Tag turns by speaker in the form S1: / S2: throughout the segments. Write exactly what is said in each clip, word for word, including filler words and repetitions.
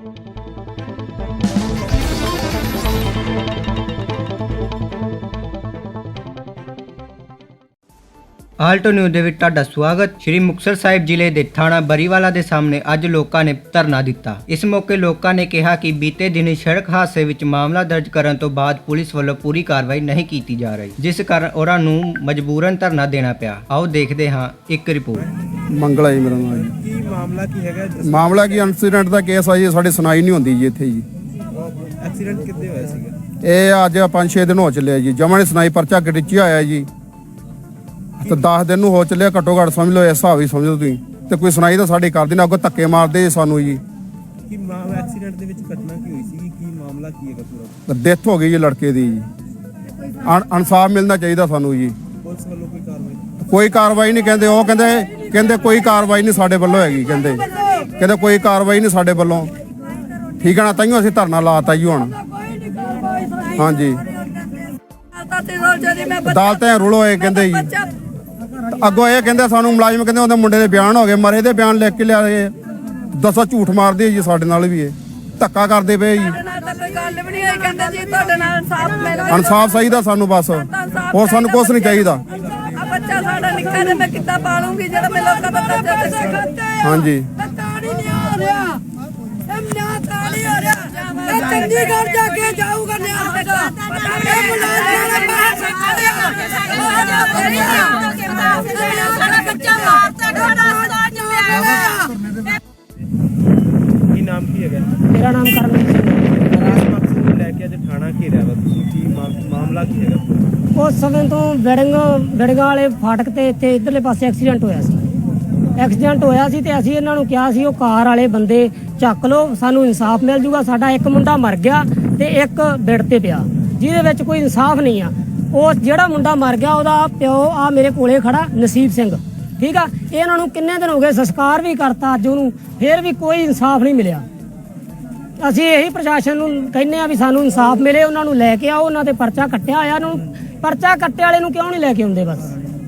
S1: Alto news ਦੇ ਵਿੱਚ ਤੁਹਾਡਾ ਸਵਾਗਤ। ਸ਼੍ਰੀ ਮੁਕਤਸਰ ਸਾਹਿਬ ਜ਼ਿਲ੍ਹੇ ਦੇ ਥਾਣਾ ਬਰੀਵਾਲਾ ਦੇ ਸਾਹਮਣੇ ਅੱਜ ਲੋਕਾਂ ਨੇ ਧਰਨਾ ਦਿੱਤਾ। ਇਸ ਮੌਕੇ ਲੋਕਾਂ ਨੇ ਕਿਹਾ ਕਿ ਬੀਤੇ ਦਿਨੀ ਸੜਕ ਹਾਦਸੇ ਵਿੱਚ ਮਾਮਲਾ ਦਰਜ ਕਰਨ ਤੋਂ ਬਾਅਦ ਪੁਲਿਸ ਵੱਲੋਂ ਪੂਰੀ ਕਾਰਵਾਈ ਨਹੀਂ ਕੀਤੀ ਜਾ ਰਹੀ, ਜਿਸ ਕਾਰਨ ਉਹਨਾਂ ਨੂੰ ਮਜਬੂਰਨ ਧਰਨਾ ਦੇਣਾ ਪਿਆ। ਆਓ ਦੇਖਦੇ ਹਾਂ ਇੱਕ ਰਿਪੋਰਟ।
S2: ਮੰਗਲਾ ਜੀ ਮੇਰਾ ਨਾਮ ਜੀ।
S3: ਕੀ ਮਾਮਲਾ ਕੀ ਹੈਗਾ?
S2: ਮਾਮਲਾ ਕੀ ਐਕਸੀਡੈਂਟ ਦਾ ਕੇਸ ਆ ਜੀ। ਸਾਡੇ ਸੁਣਾਈ ਨਹੀਂ ਹੁੰਦੀ ਜੀ ਇੱਥੇ ਜੀ।
S3: ਐਕਸੀਡੈਂਟ ਕਿੱਥੇ ਹੋਇਆ ਸੀਗਾ?
S2: ਇਹ ਅੱਜ ਪੰਜ ਛੇ ਦਿਨ ਹੋ ਚੱਲਿਆ ਜੀ। ਜਮਾਂ ਨੇ ਸੁਣਾਈ ਪਰਚਾ ਗੜਿਚਿਆ ਆਇਆ ਜੀ ਤੇ ਦਸ ਦਿਨ ਨੂੰ ਹੋ ਚੱਲਿਆ ਘੱਟੋ ਘੱਟ ਸਮਝ ਲਓ, ਇਸ ਹਿਸਾਬ ਹੀ ਸਮਝ ਲਓ ਤੁਸੀਂ। ਤੇ ਕੋਈ ਸੁਣਾਈ ਤਾਂ ਸਾਡੀ ਕਰਦੇ ਨਾ, ਅੱਗੋਂ ਧੱਕੇ ਮਾਰਦੇ ਸਾਨੂੰ ਜੀ।
S3: ਕੀ ਮਾਮਲਾ ਐਕਸੀਡੈਂਟ ਦੇ ਵਿੱਚ ਘਟਨਾ ਕੀ ਹੋਈ ਸੀਗੀ? ਕੀ ਮਾਮਲਾ ਕੀ ਹੈਗਾ ਪੂਰਾ?
S2: ਡੈਥ ਹੋ ਗਈ ਜੀ ਲੜਕੇ ਦੀ ਜੀ। ਇਨਸਾਫ ਮਿਲਣਾ ਚਾਹੀਦਾ ਸਾਨੂੰ ਜੀ।
S3: ਪੁਲਿਸ ਵੱਲੋਂ ਕੋਈ ਕਾਰਵਾਈ?
S2: ਕੋਈ ਕਾਰਵਾਈ ਨਹੀਂ ਕਹਿੰਦੇ। ਉਹ ਕਹਿੰਦੇ ਕਹਿੰਦੇ ਕੋਈ ਕਾਰਵਾਈ ਨਹੀਂ ਸਾਡੇ ਵੱਲੋਂ ਹੈਗੀ। ਕਹਿੰਦੇ ਕਹਿੰਦੇ ਕੋਈ ਕਾਰਵਾਈ ਨਹੀਂ ਸਾਡੇ ਵੱਲੋਂ। ਠੀਕ ਹੈ ਨਾ, ਤਾਈਓ ਅਸੀਂ ਧਰਨਾ ਲਾਤਾ ਜੀ ਹੁਣ। ਹਾਂਜੀ ਅਦਾਲਤਾਂ ਰੁਲ ਹੋਏ ਕਹਿੰਦੇ ਜੀ। ਅੱਗੋਂ ਇਹ ਕਹਿੰਦੇ ਸਾਨੂੰ ਮੁਲਾਜ਼ਮ ਕਹਿੰਦੇ ਉਹਦੇ ਮੁੰਡੇ ਦੇ ਬਿਆਨ ਹੋ ਗਏ, ਮਰੇ ਦੇ ਬਿਆਨ ਲਿਖ ਕੇ ਲਿਆਏ। ਦੱਸੋ ਝੂਠ ਮਾਰਦੇ ਜੀ ਸਾਡੇ ਨਾਲ ਵੀ। ਇਹ ਧੱਕਾ ਕਰਦੇ ਪਏ ਜੀ। ਇਨਸਾਫ ਚਾਹੀਦਾ ਸਾਨੂੰ ਬਸ, ਹੋਰ ਸਾਨੂੰ ਕੁਛ ਨਹੀਂ ਚਾਹੀਦਾ।
S4: ਬੱਚਾ ਸਾਡਾ ਨਿੱਕਾ ਜਿਹਾ ਮੈਂ ਕਿੱਦਾਂ ਪਾਲੂੰਗੀ ਜਿਹੜਾ ਮੈਂ ਲੋਕਾਂ ਦਾ ਕਰਜ਼ਾ ਪੈਸੇ ਖਾਤੇ ਆ।
S2: ਹਾਂਜੀ
S4: ਤਾੜੀ ਨਹੀਂ ਹੋ ਰਿਹਾ, ਇਹ ਨਿਆਂ ਤਾੜੀ ਹੋ ਰਿਹਾ। ਇਹ ਚੰਡੀਗੜ੍ਹ ਜਾ ਕੇ ਜਾਊਗਾ ਨਿਆਂ ਹੈਗਾ। ਇਹ ਮੁਲਾਜ਼ਮਾਂ ਨੇ ਪੈਸੇ ਖਾਤੇ ਆ। ਸਾਡਾ ਬੱਚਾ ਮਾਰਤਾ ਤੁਹਾਡਾ ਸਲਾਜ ਮਿਲਿਆ।
S3: ਕੀ ਨਾਮ ਕੀ ਹੈਗਾ?
S5: ਮੇਰਾ ਨਾਮ ਕਰਮਜੀਤ ਸਿੰਘ ਹੈ।
S3: ਰਾਜ ਮਕਸਦ ਨੂੰ ਲੈ ਕੇ ਅੱਜ ਥਾਣਾ ਘੇਰਿਆ ਵਾ ਤੁਸੀਂ, ਕੀ ਮਾਮਲਾ ਕੀ ਹੈਗਾ?
S5: ਉਸ ਸਮੇਂ ਤੋਂ ਬਿੜੰਗ ਬਿੜੰਗਾਂ ਵਾਲੇ ਫਾਟਕ ਤੇ ਇੱਥੇ ਇਧਰਲੇ ਪਾਸੇ ਐਕਸੀਡੈਂਟ ਹੋਇਆ ਸੀ। ਐਕਸੀਡੈਂਟ ਹੋਇਆ ਸੀ ਤੇ ਅਸੀਂ ਇਹਨਾਂ ਨੂੰ ਕਿਹਾ ਸੀ ਉਹ ਕਾਰ ਵਾਲੇ ਬੰਦੇ ਚੱਕ ਲਓ, ਸਾਨੂੰ ਇਨਸਾਫ ਮਿਲ ਜੂਗਾ। ਸਾਡਾ ਇੱਕ ਮੁੰਡਾ ਮਰ ਗਿਆ ਤੇ ਇੱਕ ਬਿੜ ਤੇ ਪਿਆ, ਜਿਹਦੇ ਵਿੱਚ ਕੋਈ ਇਨਸਾਫ ਨਹੀਂ ਆ। ਉਹ ਜਿਹੜਾ ਮੁੰਡਾ ਮਰ ਗਿਆ ਉਹਦਾ ਪਿਓ ਆ ਮੇਰੇ ਕੋਲੇ ਖੜਾ, ਨਸੀਬ ਸਿੰਘ। ਠੀਕ ਆ, ਇਹਨਾਂ ਨੂੰ ਕਿੰਨੇ ਦਿਨ ਹੋ ਗਏ, ਸੰਸਕਾਰ ਵੀ ਕਰਤਾ ਅੱਜ ਉਹਨੂੰ, ਫਿਰ ਵੀ ਕੋਈ ਇਨਸਾਫ ਨਹੀਂ ਮਿਲਿਆ। ਅਸੀਂ ਇਹੀ ਪ੍ਰਸ਼ਾਸਨ ਨੂੰ ਕਹਿੰਦੇ ਆ ਵੀ ਸਾਨੂੰ ਇਨਸਾਫ ਮਿਲੇ। ਉਹਨਾਂ ਨੂੰ ਲੈ ਕੇ ਆਓ, ਉਹਨਾਂ ਤੇ ਪਰਚਾ ਕੱਟਿਆ ਹੋਇਆ, ਨੂੰ ਪਰਚਾ ਕੱਟੇ ਵਾਲੇ ਨੂੰ ਕਿਉਂ ਨਹੀਂ ਲੈ ਕੇ ਆਉਂਦੇ? ਬਸ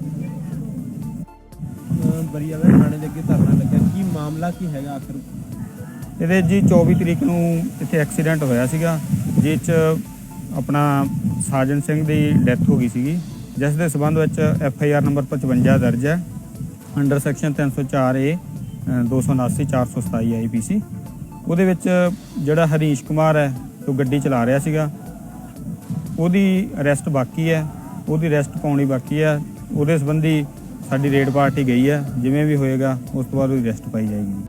S3: ਬਰੀਵਾਲਾ ਥਾਣੇ ਦੇ ਅੱਗੇ ਧਰਨਾ ਲੱਗਾ, ਕੀ ਮਾਮਲਾ ਕੀ ਹੈਗਾ ਆਖਰ?
S6: ਇਹਦੇ ਜੀ ਚੌਵੀ ਤਰੀਕ ਨੂੰ ਇੱਥੇ ਐਕਸੀਡੈਂਟ ਹੋਇਆ ਸੀਗਾ, ਜਿਸ 'ਚ ਆਪਣਾ ਸਾਜਨ ਸਿੰਘ ਦੀ ਡੈਥ ਹੋ ਗਈ ਸੀਗੀ, ਜਿਸ ਦੇ ਸਬੰਧ ਵਿੱਚ ਐਫ ਆਈ ਆਰ ਨੰਬਰ ਪਚਵੰਜਾ ਦਰਜ ਹੈ ਅੰਡਰ ਸੈਕਸ਼ਨ ਤਿੰਨ ਸੌ ਚਾਰ ਏ ਦੋ ਸੌ ਉਨਾਸੀ ਚਾਰ ਸੌ ਸਤਾਈ ਆਈ ਪੀ ਸੀ। ਉਹਦੇ ਵਿੱਚ ਜਿਹੜਾ ਹਰੀਸ਼ ਕੁਮਾਰ ਹੈ ਉਹ ਗੱਡੀ ਚਲਾ ਰਿਹਾ ਸੀਗਾ, ਉਹਦੀ ਅਰੈਸਟ ਬਾਕੀ ਹੈ, ਉਹਦੀ ਅਰੈਸਟ ਪਾਉਣੀ ਬਾਕੀ ਹੈ। ਉਹਦੇ ਸੰਬੰਧੀ ਸਾਡੀ ਰੇਡ ਪਾਰਟੀ ਗਈ ਹੈ, ਜਿਵੇਂ ਵੀ ਹੋਏਗਾ ਉਸ ਤੋਂ ਬਾਅਦ ਉਹਦੀ ਅਰੈਸਟ ਪਾਈ ਜਾਏਗੀ।